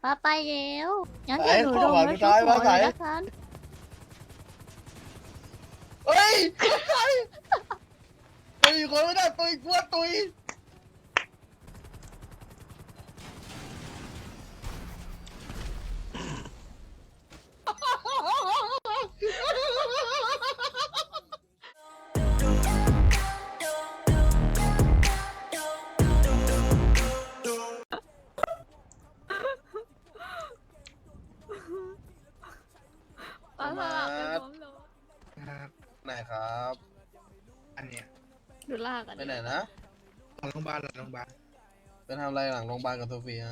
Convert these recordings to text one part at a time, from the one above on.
ป้าไปแล้วงั้นเดี๋ยวหนูลงแล้วชุบหมอเลยละกันเฮ้ยตุยคนไม่ได้ตุยกลัวตุยป้าสลับไปพร้อมเลยไหนครับอันเนี้ยดูลากกันไปไหนนะหลังโรงพยาบาลไปทำอะไรหลังโรงพยาบาลกับโซเฟีย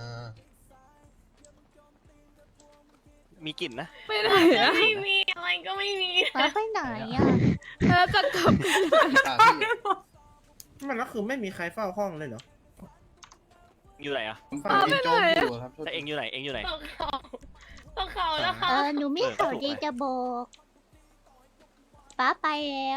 มีกลิ่นนะไปไหนอะไม่มีอะไรก็ไม่มีป้าไปไหนอ่ะแล้วจะกลับถามพี่มันก็คือไม่มีใครเฝ้าห้องเลยเหรออยู่ไหนอะผมฟังกินโจ๊กอยู่ครับแต่เองอยู่ไหน เองอยู่ไหนต้องเขาแล้วค่ะหนูมีข่าวดีจะบอกป้าไปแล้ว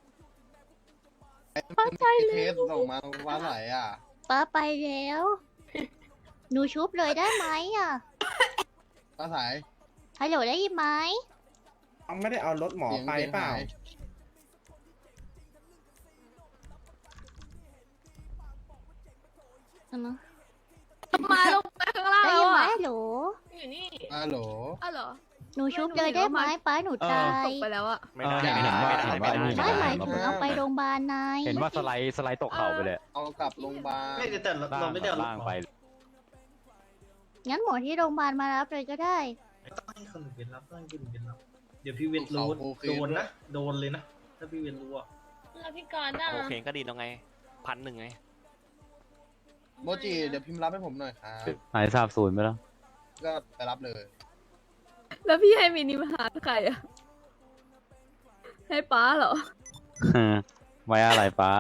เคสส่งมาว่าไหนอ่ะป้าไปแล้ว หนูชุบเลยได้ไหมอ่ะป้าสายฮัลโหลได้ยินไหมเอาไม่ได้เอารถหมอไปเปล่ามาลงไปข้างล่างได้แล้ยิวนไหมอะฮัลโหลอยู่นี่ฮัลโหลอ้าวเหรอหนูชุบเลยได้ไหมป้าหนูตายตกไปแล้วอะไม่ได้เห็นไม่ว่าได้ ไม่ได้เห็นไม่ว่าได้ไม่หมายถึงเอาไปโรงพยาบาลนายเห็นว่าสไลด์ตกเขาไปเลยเอากลับโรงพยาบาลไม่แต่เราไม่ได้เอารถล่างหมอไปงั้นหมอที่โรงพยาบาลมารับเลยก็ได้ต้องให้คนอื่นเป็นรับต้องให้คนอื่นเป็นรับเดี๋ยวพี่เวนรู้โดนนะโดนเลยนะถ้าพี่เวนรู้อ่ะแล้วพี่กรณ์อ่ะโอเคก็ดีแล้วไง 1,100ไงโมจิเดี๋ยวพิมพ์รับให้ผมหน่อยครับหายสาบสูญไปแล้วก็ไปรับเลยแล้วพี่ให้มินิมาหาใครอะให้ป้าเหรอไว้อะไรป้า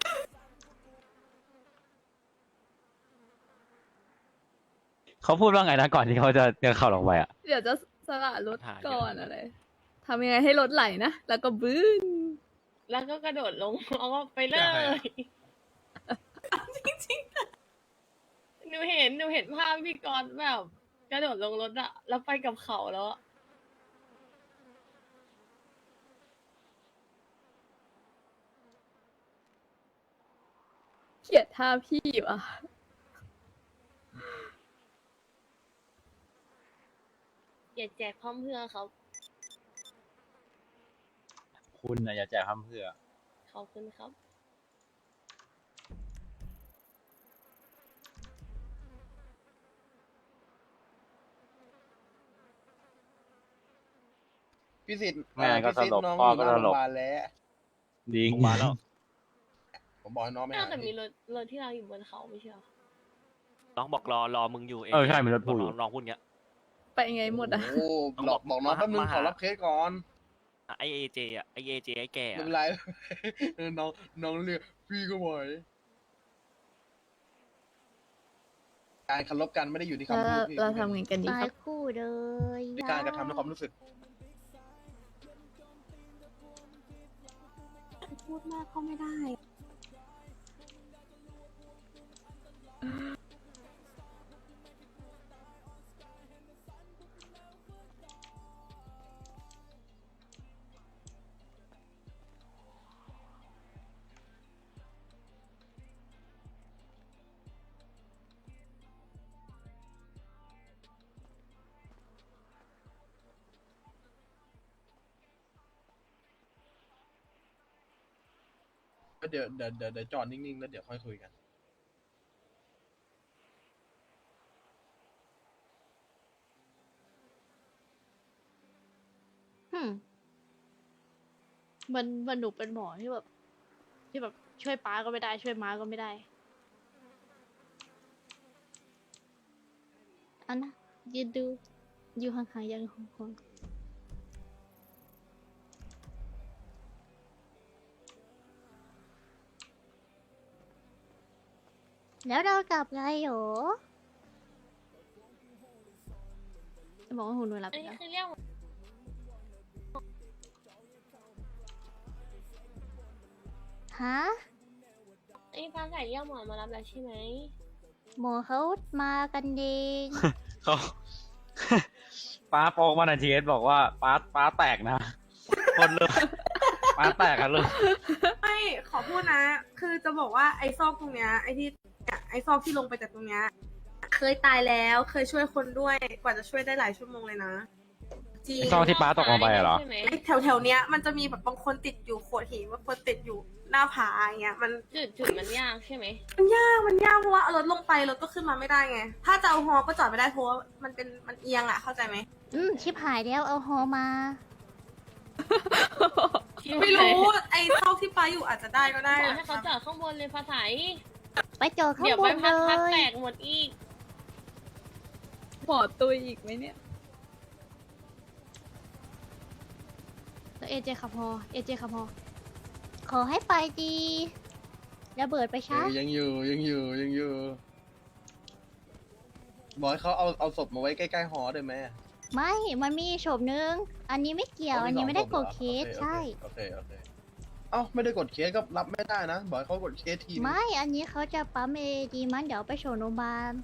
เขาพูดว่าไงนะก่อนที่เขาจะเข้าลงไปอ่ะเดี๋ยวจะสละรถก่อนอะไรทำยังไงให้รถไหลนะ แล้วก็บื้นแล้วก็กระโดดลงเอาไปเลย จริงๆหนูเห็นภาพพี่กรณ์แบบกระโดดลงรถอะแล้วไปกับเขาแล้วอะเกลียดท่าพี่ว่ะอย่าแจกพร้อมเพื่อเขาคุณน่ะอย่าแจกคำเพื่อขอบคุณครับพี่สิทธิ์แม่ก็พี่สิทตลธิ์กน้องพ่ออยู่ก็หน้าตโรลงพกยาบาลแล้วดิงมาแล้วผมบอกให้น้องไม่หาแต่มีพี่รถที่เราอยู่บนเขาไม่ใช่เหรอน้องบอกรอมึงอยู่เองใช่มันรถพูดอยู่น้องพูดเงี้ยไปไงหมดอะโอ้บอกน้องแป๊บนึงขอรับเคสก่อนไอเอเจอะไอเอเจไอแก่ไม่อะเป็นไร น้องเรียกพี่ก็ไหวการเคารพกันไม่ได้อยู่ที่แล้วคำพูดพี่เราทำไงกันดีตาครัยบคู่เลยที่การกระทำด้วยความรู้สึกพูดมากก็ไม่ได้เดี๋ยวจอดนิ่งๆแล้วเดี๋ยวค่อยคุยกันมันหนูเป็นหมอที่แบบช่วยป้าก็ไม่ได้ช่วยม้าก็ไม่ได้เอานะยืนดู อยู่ห่างๆยังของคนแล้วเรากลับไงโหรจะบอกว่าหูหนูหลับอันไปนี้แล้วคือเรียกฮะไอ้ฟ้าใสเรียกหมอมารับแล้วใช่ไหมหมอเขามากันเองเขา ป้าโป๊กมาในทีเอสบอกว่าป้าแตกนะคนเลยป้าแตกกันเลยไม่ขอพูดนะ คือจะบอกว่าไอ้ซอกตรงเนี้ยไอ้ที่เนี่ยไอ้ซอกที่ลงไปจากตรงเนี้ยเคยตายแล้วเคยช่วยคนด้วยกว่าจะช่วยได้หลายชั่วโมงเลยนะจริงซอกที่ป้าตกลงไปเหรอใช่ไหมไอ้แถวๆเนี้ยมันจะมีแบบบางคนติดอยู่โขดหินบางคนติดอยู่หน้าผาอย่างเงี้ยมันจุดมันยากใช่ไหมมันยากเพราะว่าเอารถลงไปรถก็ขึ้นมาไม่ได้ไง ถ้าจะเอาฮอก็จอดไม่ได้เพราะว่ามันเอียงอ่ะเข้าใจไหมชิบหายแล้วเอาฮอมาไม่รู้ไอ้ซอกที่ป้าอยู่อาจจะได้ก็ได้บอกให้เขาจอดข้างบนเลยภาษาไปจอดข้างเดี๋ยวบไปนพัดเลแตยกหมดอีกหมอตุยอีกไหมเนี่ยแล้วเอเจขับฮอขอให้ไปดีระเบิดไปช้ายังอยู่บอกให้เขาเอาศพมาไว้ใกล้ๆหอได้ไหมไม่ มันมีศพนึง อันนี้ไม่เกี่ยว อันนี้ไม่ได้กดเคสใช่โอเคเอ้าไม่ได้กดเคสก็รับไม่ได้นะบอกให้เขากดเคสทีนึงไม่ อันนี้เขาจะปั๊มเอดีมันเดี๋ยวไปส่งโรงพยาบาล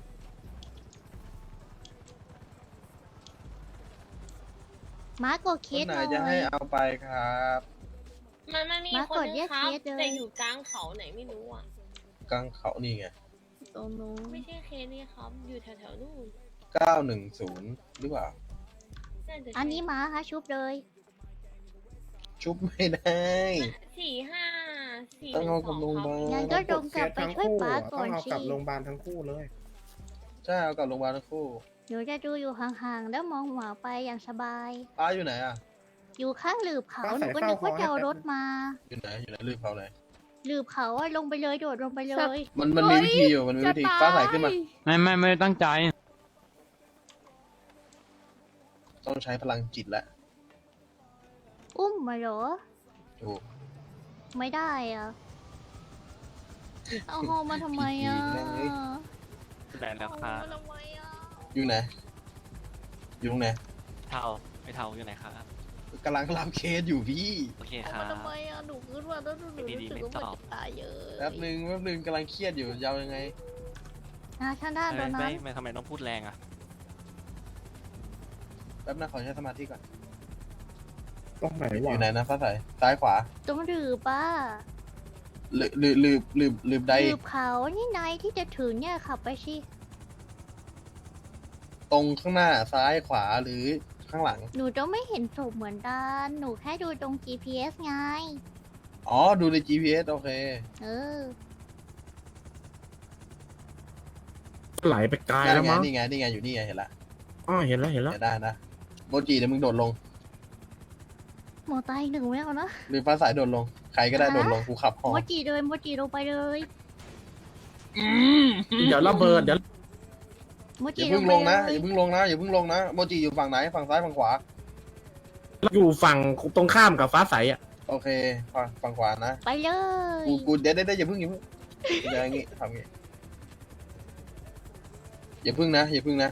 มากดเคคนสไหนหน่จะให้อยเอาไปครับมันมีมาคนกดนึเรียงกครับเคสเลยแต่อยู่กลางเขาไหนไม่รู้อ่ะกลางเขานี่ไงตรงนู้นไม่ใช่เคสนี่ครับ อยู่แถวๆนู่น 910หรือเปล่าน่าจะใช่อันนี้มาค่ะชุบเลยชุบไม่ได้ 45 ต้องเอากับโรงพยาบาลงั้นก็ลงกลับไปช่วยป้าก่ต้ออน งเอาสิกลับโรงพยาบาลทั้งคู่เลยใช่เอากับโรงพยาบาลทั้งคู่หนูจะดูอยู่ห่างๆ แล้วมองหมาไปอย่างสบายป้าอยู่ไหนอ่ะอยู่ข้างหลืบเขาป้าหใส่นูก็นึกว่าเฝ้าคอให้จะเอาแป๊บรถมาอยู่ไหนลืมเขาไหนหลืบเขาอะลงไปเลยโดดลงไปเลยมันมีวิธีอยู่มันมีวิธีฟ้าใสขึ้นมาไม่ได้ตั้งใจต้องใช้พลังจิตแล้วอุ้มมาเหรอถูกไม่ได้อะเอาฮอมาทำไมอะผีแม่งเอ้ยได้แล้วครับเอาฮอมาทำไมอะอยู่ไหนอยู่ตรงไหนเท่าไม่เท่าอยู่ไหนครับกำลังรับเคสอยู่พี่โอเคเอาครัมาบทำไมอะหนูคิดว่าแล้วหนูรู้สึกว่ามันจะตายเยอะแป๊บนึงกำลังเครียดอยู่ยาวยังไงข้างด้านโดนน้ไม่ทำไมต้องพูดแรงอ่ะแป๊บนะขอใช้สมาธิก่อนตรงไหนอวะยู่ไหนนะฟ้าใสซ้ายขวาำตรงหลืบป้าลืมใดหลืบเขานี่นายที่จะถึงเนี่ยขับไปสิตรงข้างหน้าซ้ายขวาหรือข้างหลังหนูต้องไม่เห็นศพเหมือนกันหนูแค่ดูตรง GPS ไงอ๋อ ดูใน GPS โอเคเออไหลไปไกลแล้วมั้งนี่ไงอยู่นี่ไงเห็นละอ๋อเห็นแล้วเห็นได้นะโมจิเดี๋ยวมึงโดดลงหมอตายอีกหนึ่งไม่เอานะหรือฟ้าใสโดดลง ใครก็ได้ฮะโดดลงกูขับหอโมจิเลยโมจิลงไปเลยเดี๋ยวระเบิดเดี๋ยวโมอจิย่าลเพิ่งงไปลงนะเลอย ย่าเพิ่งลงนะอย่าเพิ่งลงนะโมจิอยู่ฝั่งไหนฝั่งซ้ายฝั่งขวาอยู่ฝั่งตรงข้ามกับฟ้าใสอ่ะโอเคฝั่งขวานะไปเลยกูเดี๋ยวอย่าเพิ่งอย่าอย่างงี้ทำงี้อย่าเพิ่งนะอย่าเพิ่งนะ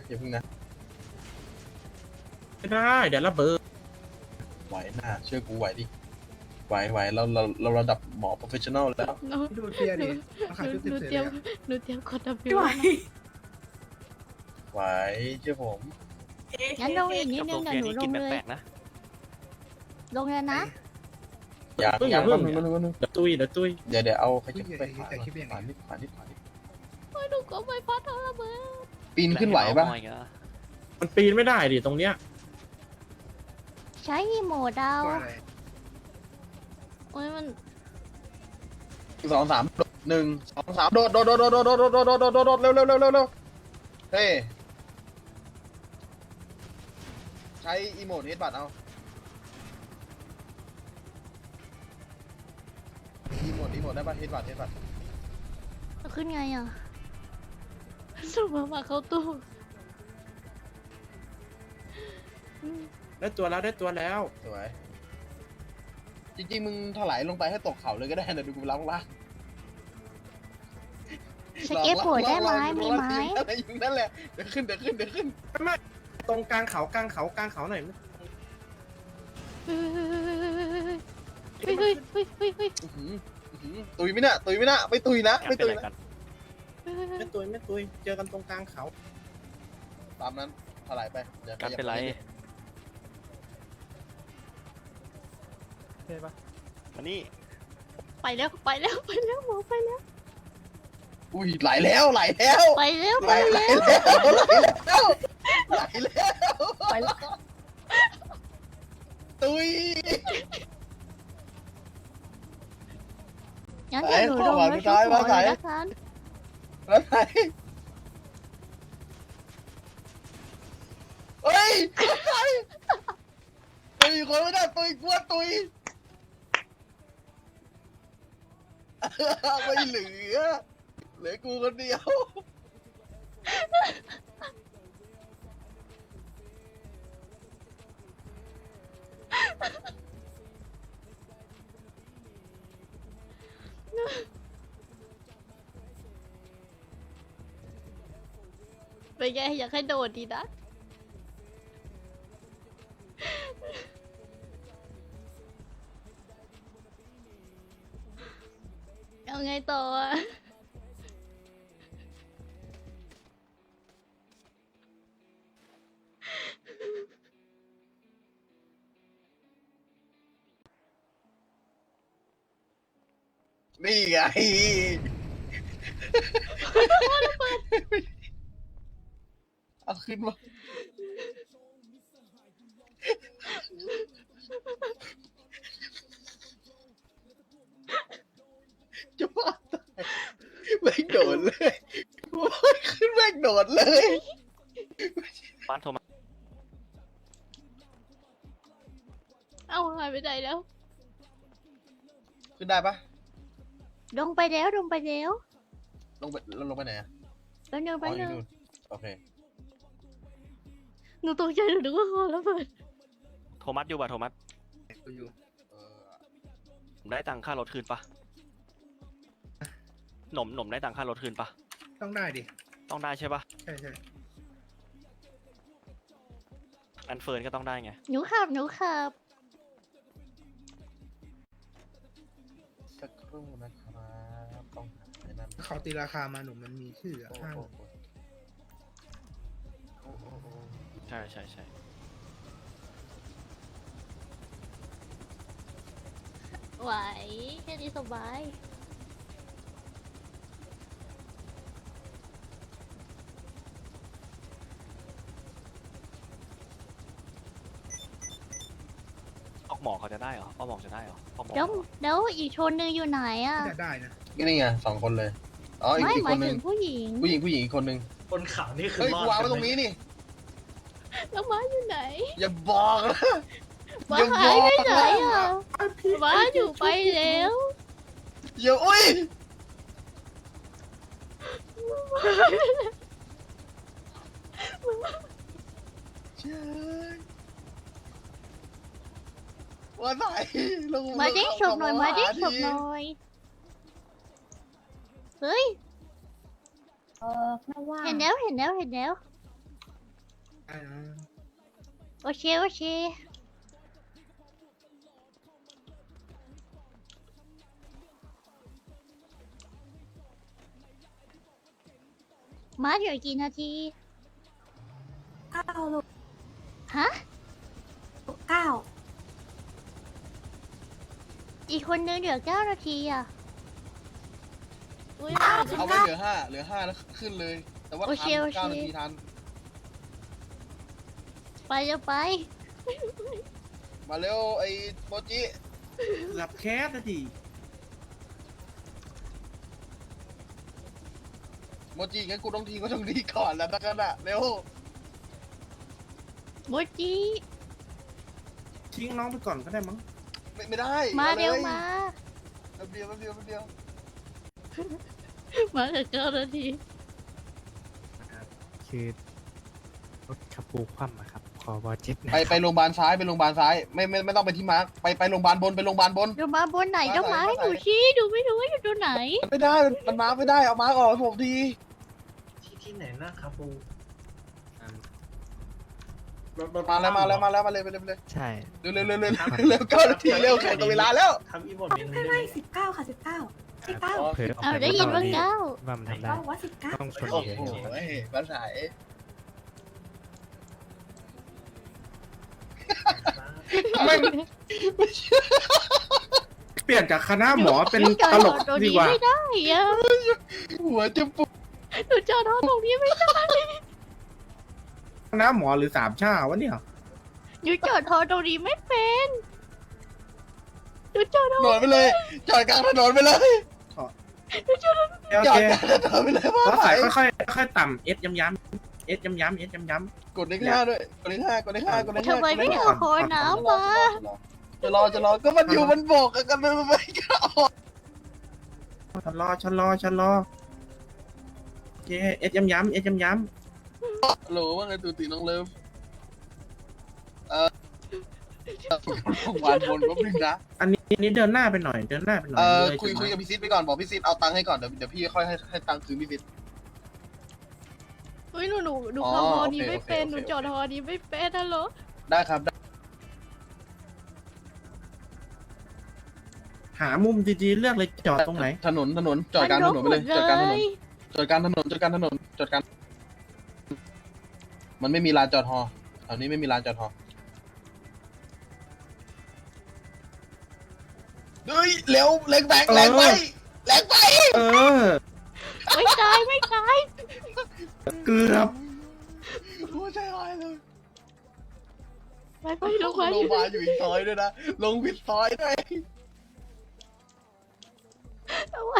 ไม่ได้เดี๋ยวระเบิดไหวหน้าเชื่อกูไหวดิไหวเราระดับหมอโปรเฟชชั่นอลแล้วดูเทียดิหนูเตรียมกดดับบิวไหวไหวเชื่อผมงั้นลงอีกนิดกับนึโรงงเรีเดี๋ยยวน หนูลงเลยนี้กินแปลกๆนะลงแล้วนะอย่าเดี๋ยวตุ้ยเดี๋ยวเอาใครจะไปขวานิดหนูก็ไม่พัดเอาระเบิดปีนขึ้นไหวปะแล้วให้เรามองอีกเหรอมันปีนไม่ได้ดิตรงเนี้ยใช้รีโมทดาวโอ้ยมัน 2 3 1 2 3โดดเร็วเฮ้ใช้อีโมดเฮดบัตเอาอีโมดได้ปะเฮดบัตขึ้นไงอ่ะสุดมาเข้าตู้ได้ตัวแล้วสวยจริงๆมึงถลายลงไปให้ตกเขาเลยก็ได้นะดูกูล้างล่างสเก็ตบอร์ดได้ไหมมีไหมอะไรอยู่นั่นแหละเดี๋ยวขึ้นตรงกลางเขาหน่อยเฮ้ยตุยไม่น่ะไม่ตุยนะอยากเป็นอะไรกันไม่ตุยเจอกันตรงกลางเขาตามนั้นถลายไปเดี๋ยวการเป็นไรใช่ปะมานี่ไปแล้วไปแล้วไปแล้วหมอไปแล้วอุ้ยไหลแล้วไหลแล้วไปแล้วไหลไปแล้วแล้วไหลแล้วไหลแล้วไปแล้วตุยงั้นเดี๋ยวหนูลงมาชุบหมอเลยละกันแล้วไหนเฮ้ยตุยคนไม่ได้ตุยกลัวตุยไม่เหลือกูคนเดียวเป็นไงอยากให้โดดดีนะเอาไงต่ออะนี่ไงเอาขึ้นมาจะว่าตายแม่งโดดเลยขึ้นแม่งโดดเลยบ้านโทรมาเอาหายไปไหนแล้วขึ้นได้ปะลงไปแล้วลงไปแล้วลงไปไหนอะแป๊บนึงอ๋แป๊อบ อนึยู่งนู่นโอเคหนูตกใจหนูนึกว่าคอระเบิดโทมัสอยู่ป่ะโทมัสอยู่ผมได้ตังค่ารถคืนปะหนมได้ตังค่ารถคืนปะต้องได้ดิต้องได้ใช่ปะใช่ใช่อันเฟิร์นก็ต้องได้ไงหนูขับหนูขับสักครู่นะครับต้องหาไอ้นั่นเขาตีราคามาหนุ่มมันมีชื่ออะโอ้ห้างโหโอ้โหใช่ใช่ใช่ไหวแค่นี้สบายออกหมอเขาจะได้เหรอออกหมอจะได้เหรอออกหมอแล้วอีกชนหนึ่งอยู่ไหนอ่ะได้นะนี่ไง2 คนเลยอ๋ออีกไม่อีกหคมายนหนึถึงงผู้หญิงผู้หญิงอีกคนหนึงคนข่าวนี่คือเฮ้ยรอกูดวางไว้กัตรงนี้นี่แล้วม้าอยู่ไหนอย่าบอกนะม้าอย่าหายไปบอกไหนนะอ่ะม้าอยู่ไปแล้วอย่าอุ้ยเจ้ยว่าไหนลงมาเด้งฉกหน่อยลงมาเด้งหฉกหน่อย เฮ้ย เห็นแล้วเห็นแล้วเห็นแล้วอ่าโอเคโอเค มาเหลือกี่นาที 9 ลูกฮะ 9 อีกคนนึงเหลือ9 นาทีอ่ะอุ้ยเอาไว้เหลือ 5แล้วขึ้นเลย แต่ว่าโอเคทันโอเค 9 นาทีทันไปจะไปมาเร็วไอ้โมจิหลับแคสนะทีโมจิงั้นกูต้องทีก็ต้องดีก่อนแล้วนะกันอะเร็วโมจิทิ้งน้องไปก่อนก็ได้มั้งไม่ได้มาเร็วลยมาแป๊บเดียวแป๊บเดียวแป๊บเดียวมาเหลือ9 นาทีคือรถขับปูคว่ำอะครับขอบอเจ็บนะไปโรงพยาบาลซ้ายไปโรงพยาบาลซ้ายไม่ต้องไปที่มาร์คไปโรงพยาบาลบนไปโรงพยาบาลบนเดี๋ยวมาบนไหนมาเดี๋ยวมาไหนให้หนูมาไหนชี้ดูไม่รู้ว่าอยู่ตรงไหนมันไม่ได้มันมาร์คไม่ได้เอามาร์คออกให้ผมทีที่ไหนนะครับปูมาแล้วมาเลยไปเลยใช่เร็ว9 นาทีเร็วแข่งกับเวลาแล้วทำอีโมดเมนูไม่ได้ไหมไม่19 ค่ะ 19ที่9 เผลอออกเอาไปได้ยินว่าดี 9 ว่ามันทำได้บอกว่า19 ต้องชนโอ้เยโหอะภาษาไม่เปลี่ยนจากคณะหมอเป็นหนูจอดตลกตรงดีนี้กว่าไม่ได้อะหัวจะปวดหนูจอดตรงนี้ไม่ได้คณะหมอหรือสามชาวะเนี่ยหนูจอดตรงนี้ไม่เป็นหนูจอดถนนไปเลย จอดกลางถนนไปเลยโอจอเคดกลางถนนไปเลยว่าแล้วไปใส่ค่อยๆต่ำเอสย้ำๆเอสย้ำๆเอสย้ำกดเลขห้าด้วยกดเลขห้ากดเลขห้ากดเลขห้าทำไมไม่เอาคอน้ำมาจะรอก็มันอยู่มันโบกกันมันไม่ก็ออกๆชะลอโอเคเอสย้ำๆเอสย้ำโหลว่าไงตูตีน้องเลิฟวานบนแป๊บนึงนะๆอันนี้เดินหน้าไปหน่อยเลยคุยจุดนั้นกับพี่ซิดไปก่อนบอกพี่ซิดเอาตังค์ให้ก่อนเดี๋ยวพี่ค่อยให้ตังค์คืนพี่ซิดเฮ้ยหนูอ๋อขับฮอโอเคนี้ไม่เป็นโอเคหนูจอดฮอนี้ไม่เป็นฮัลโหลได้ครับได้หามุมดีๆเลือกเลยจอดตรงไหนถนนจอดกลางถนนไปเลยจอดกลางถนนจอดกลางถนนจอดกลางถนนจอดกลางมันไม่มีลานจอดฮอแถวนี้ไม่มีลานจอดฮอเฮ้ยเร็วแรงไปเออไม่ตายเกือบหัวใจหายเลยไปลงมาลงมาอยู่อีกซอยด้วยนะลงผิดซอยด้วยเอาไว้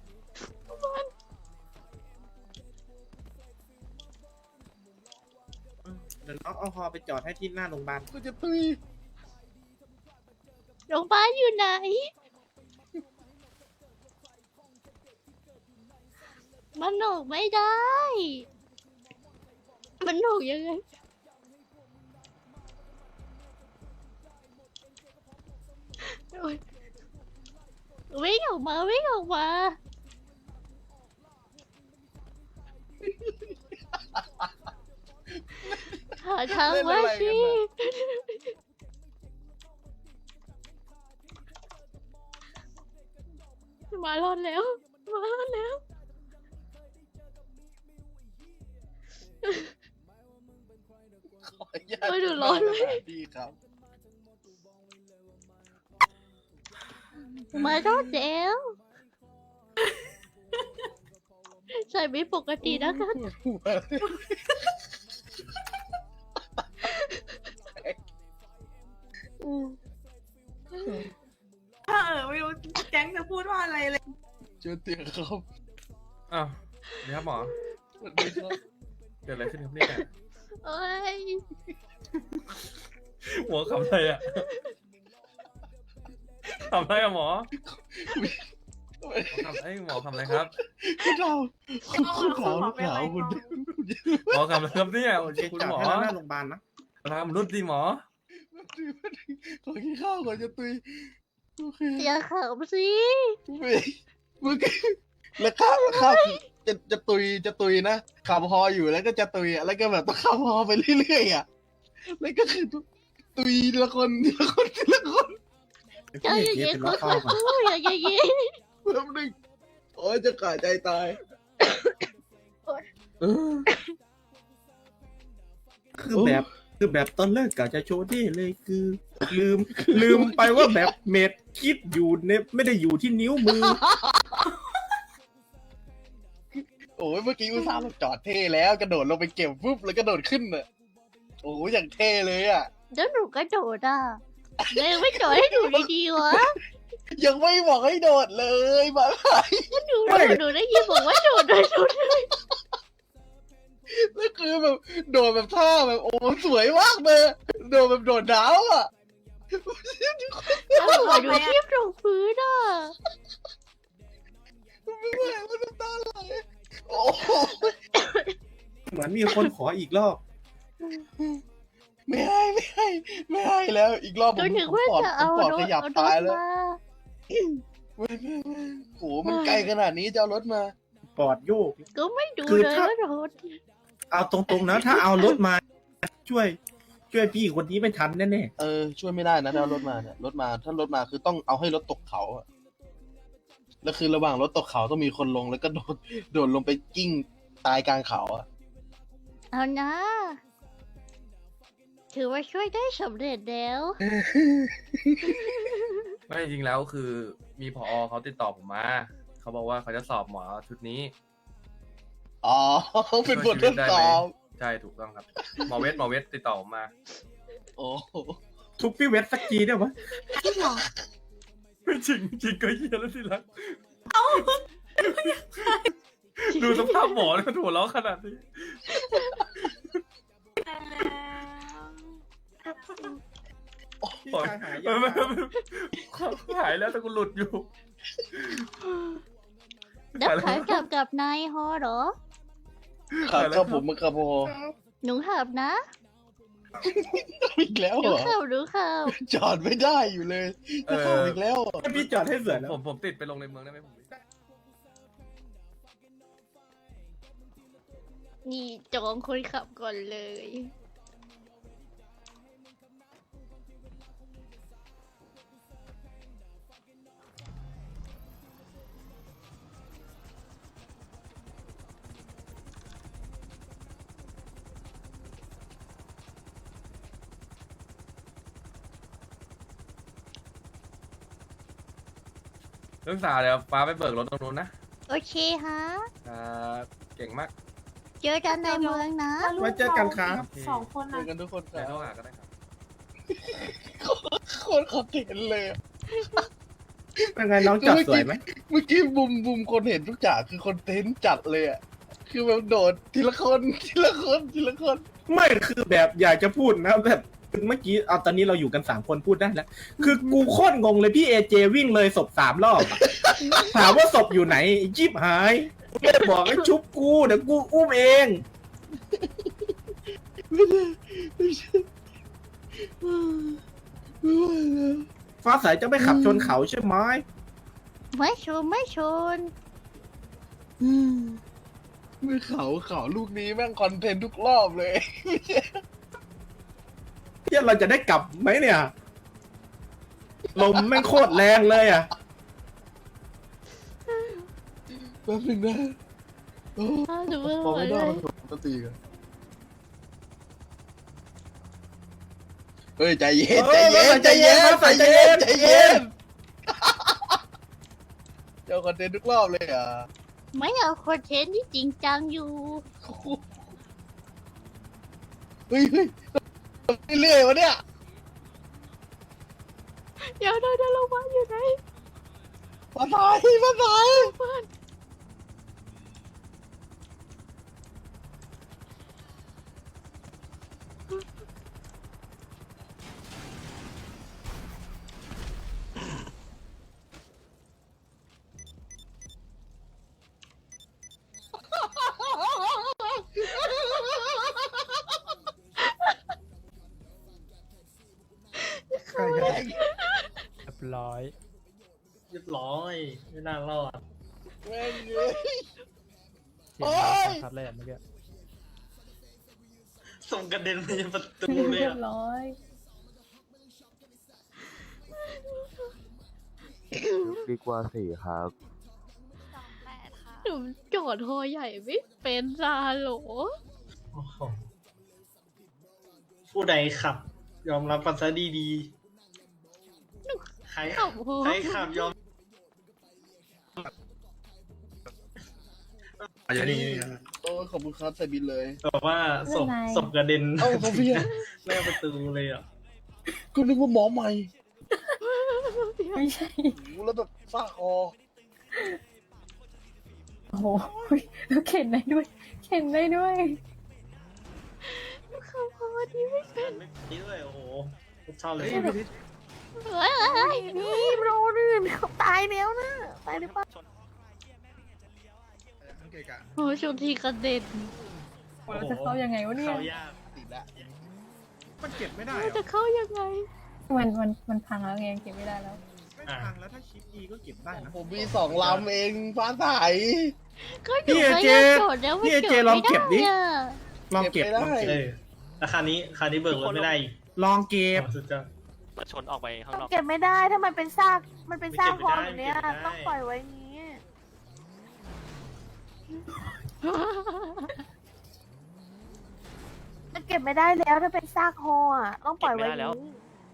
เดี๋ยวน้องเอาฮอไปจอดให้ที่หน้าโรงพยาบาลกูจะตุยโรงพยาบาลอยู่ไหน มันออกไม่ได้ มันออกยังไงโอ๊ยวิ่งออกมา หาทางว่าชีมารอดแล้วขออนุญาตเฮ้ยเดี๋ยวร้อนเลยดีครับมารอดแล้วใส่ไม่ปกตินะคะถ้าไม่รู้แก๊งจะพูดว่าอะไรเลยเจอเตียงครับอ้าวเดี๋ยวครับหมอสวัสดีครับเกิดอะไรขึ้นครับเนี่ยโอ้ยหมอทำอะไรอ่ะทำอะไรอะหมอหมอทำอะไรครับคุณเราคุณขาวคุณหมอทำอะไรครับเนี่ยคุณหมอหน้าโรงพยาบาลนะทำรุ่นดีหมอขอกินข้าวก่อนจะตุยโอเคอย่าขำสิเมื่อกี้แล้วข้าวจะตุยนะขับฮออยู่แล้วก็จะตุยอ่ะแล้วก็แบบต้องขับฮอไปเรื่อยๆอ่ะแล้วก็คือตุยทีละคนอย่าอย่างเงี้ยค่อยๆพูดอย่าอย่างเงี้ยแป๊บนึงโอ้ยจะขาดใจตายคือแบบตอนแรกกะจะโชว์ที่เลยคือ ลืมไปว่าแบบเม็ดคิดอยู่เนี่ยไม่ได้อยู่ที่นิ้วมือโอ้ยเมื่อกี้อุตส่าห์จอดเท่แล้วกระโดดลงไปเก็บปุ๊บแล้วกระโดดขึ้นอ่ะโอ้ยอย่างเท่เลยอ่ะแล้วหนูกระโดดอ่ะเลยไม่โดดให้หนูดีๆวะยังไม่บอกให้โดดเลยมาไหนหนูได้ยินบอกว่าโดดแล้วคือแบบโดดแบบท่าแบบโอ้สวยมากเลยโดดแบบโดดดาวอ่ะแล้วหัวหนูเทียบตรงพื้นอ่ะไม่ไหวมันน้ำตาไหลโอ้เหมือนมีคนขออีกรอบไม่ให้แล้วอีกรอบจนถึงว่าจะเอาปอดรขถยับเอารตายถแล้วมาไม่โหมันไกลขนาดนี้จะเอารถมาปอดโยกก็ไม่ดูคือเลยถ้าว่ารถเอาตรงๆนะถ้าเอารถมาช่วยพี่คนนี้ไม่ทันแน่ช่วยไม่ได้นะถ้าเอารถมาเนี่ยถ้ารถมาคือต้องเอาให้รถตกเขาอะแล้วคือระหว่างรถตกเขาต้องมีคนลงแล้วก็โดดลงไปกิ้งตายกลางเขาอะเอานะถือว่าช่วยได้สำเร็จแล้วไม่จริงๆแล้วคือมีผอเขาติดต่อผมมา เขาบอกว่าเขาจะสอบหมอชุดนี้อ๋อ เป็นบททดสอบใช่ถูกต้องครับ หมอเวทติดต่อผมมาโอ้โหทุบพี่เวทสักทีได้ไหมจริงเหรอไม่จริงจริงก็เฮียแล้วสิละดูสภาพหมอเลยมันหัวเราะขนาดนี้ปล่อยหายแล้วแต่กูหลุดอยู่แล้วขายกับนายฮอเหรอครับผมมันครับพอหนูขับนะอีกแล้วหเหนูรอขับหนูขับจอดไม่ได้อยู่เลยจะเข้าอีกแล้วเหรอให้พี่จอดให้เสือแล้วผมติดไปลงในเมืองได้ไหมผมนี่จองคนขับก่อนเลยเรื่องสาวเดี๋ยวฟ้าไปเบิกรถตรงนู้นนะโอเคฮะเก่งมากเจอกันในเมืองนะไว้เจอกันครับสองคนเจนะอกันทุกคนคเดี๋ยวโทรรับหาก็ได้ครับโคตรขอบเห็นเลยอะเป็นไงน้องจอดสวยไหมเมื่อกี้บุมคนเห็นทุกอย่างคือคนเทนจัดเลยอ่ะ คือแบบโดดทีละคนทีละคนทีละคนไม่คือแบบอยากจะพูดนะแบบเมื่อกี้เอาตอนนี้เราอยู่กัน3 คนพูดได้แล้ว คือกูโคตรงงเลยพี่เอเจวิ่งเลยศพ3 รอบอะถามว่าศพอยู่ไหนไอ้จิ๊บหายไม่ได้บอกให้ชุบกูเดี๋ยวกูอุ้มเองไม่ได้ไม่ใช่ไม่ไหวแล้วฟ้าใสจะไม่ขับชนเขาใช่ไหมไม่ชนไม่ชนไม่เขาลูกนี้แม่งคอนเทนต์ทุกรอบเลยเที่ยเราจะได้กลับไหมเนี่ย ลมแม่งโคตรแรงเลยอ่ะแป๊บนึงนะโอ้หนูไม่พอไหวไม่เลได้ยต้องตีกันเฮ้ยใจเย็นใจเย็นใจเย็นใจเย็นใจเย็นเจ้าคอนเทนต์ทุกรอบเลยอ่ะไม่เอาคอนเทนต์ที่จริงจังอยู่เฮ้ยเรื่อยๆวะเนี่ยเดี๋ยวเราจะลงมาอยู่ไหนมาตายมาตายเรียบร้อยเรียบร้อยไม่น่ารอดแม่งเลยเสียงดังชัดเลยอะเมื่อกี้ส่งกระเด็นไปยังประตูเลยเรียอะบร้อยดีกว่าสี่ครับหนูจอดฮอใหญ่ไม่เป็นซาโหลโอ้โหผู้ใดขับ ยอมรับกันซะดีๆใครขับฮอใครขับยอมอย่างนี้โอ้ขอบคุณครับใส่บินเลยบอกว่าศพไม่เป็นไรศพกระเด็นเอ้าโซเฟียหน้าประตูเลยอ่ะก็นึกว่าหมอใหม่ไม่ใช่โอ้แล้วแบบซากคอโอ้โหแล้วเข็นได้ด้วย เข็นได้ด้วยขับฮอที่ไม่เป็นนี่ด้วยโอ้โหชอบเลยเฮ้ยนี่โรนี่เขาตายแล้วนะตายหรือเปล่าโอ้ชนทีกระเด็นเราจะเข้ายังไงวะเนี่ยเข้ายากติดแล้วมันเก็บไม่ได้เราจะเข้ายังไงมันพังแล้วไงเก็บไม่ได้แล้วไม่พังแล้วถ้าชิปอีก็เก็บได้นะผมมี2 ลำเองฟ้าใสก็หนูพยายามจอดแล้วมันพี่เอเจจอดลองไม่เก็ได้บดิอะลองเก็บเก็บไม่ได้ลองเก็บแล้วคราวนี้เบิกรถไม่ได้อีกลองเก็บสุดยอดมาชนออกไปข้างนอกเก็บไม่ได้ถ้ามันเป็นซากมันเป็นซากพอแบบเนี้ยเก็บไม่ได้ต้องปล่อยไว้อย่างนี้ มันเก็บก็บไม่ได้แล้วถ้าเป็นซากฮออ่ะต้องปล่อยไว้เก็บไม่ได้แล้วนี้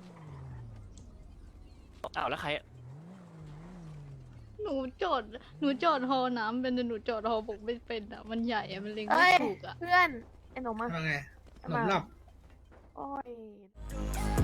อ้าวแล้วใครหนูจอดฮอน้ำเป็นแต่หนูจอดฮอบกไม่เป็นอ่ะมันใหญ่อ่ะมันเล็งเอ้ไม่ยถูกอ่ะเพื่อนไอ้หนูมาว่าไงโอ้ย